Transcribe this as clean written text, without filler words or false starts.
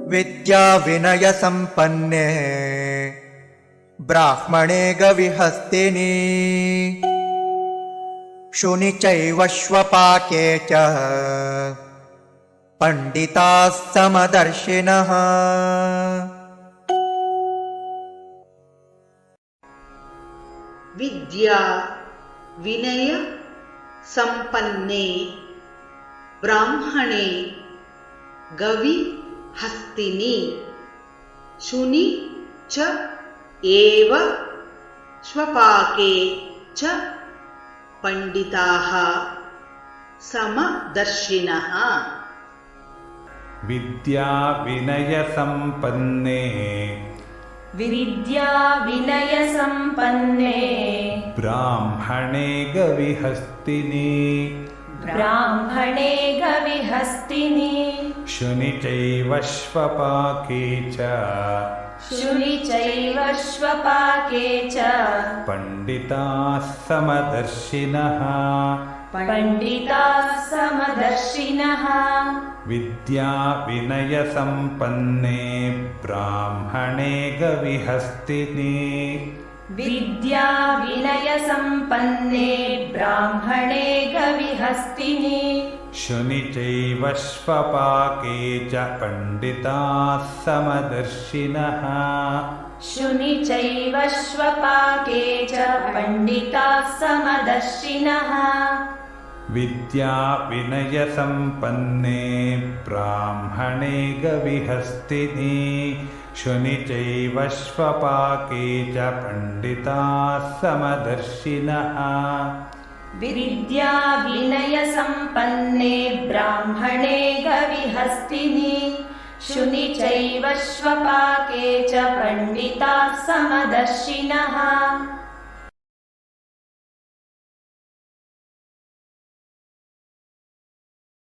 विद्या विनय संपन्ने ब्राह्मणे गविहस्तिनि शुनि चैव श्वपाके च पंडिताः समदर्शिनः। विद्या विनय संपन्ने ब्राह्मणे गवि हस्तिनि शुनि च एव श्वपाके च पंडिताः समदर्शिनः। विद्या विनय संपन्ने विद्या विनय संपन्ने ब्राह्मणे गविहस्तिनि ब्राह्मणे गविहस्तिनि शुनि चैव श्वपाके च शुनि चैव श्वपाके च पंडिताः समदर्शिनः। पंडिताः समदर्शिनः। विद्या विनय संपन्ने ब्राह्मणे गविहस्तिनि विद्या विनय संपन्ने ब्राह्मणे गविहस्तिनि शुनि चैव श्वपाके च पंडिताः समदर्शिनः। शुनि चैव श्वपाके च पंडिताः समदर्शिनः। विद्या विनय संपन्ने ब्राह्मणे गविहस्तिनि शुनि चैव श्वपाके च पंडिताः समदर्शिनः। विद्या विनय संपन्ने ब्राह्मणे गविहस्तिनि शुनि चैव श्वपाके च पंडिताः समदर्शिनः।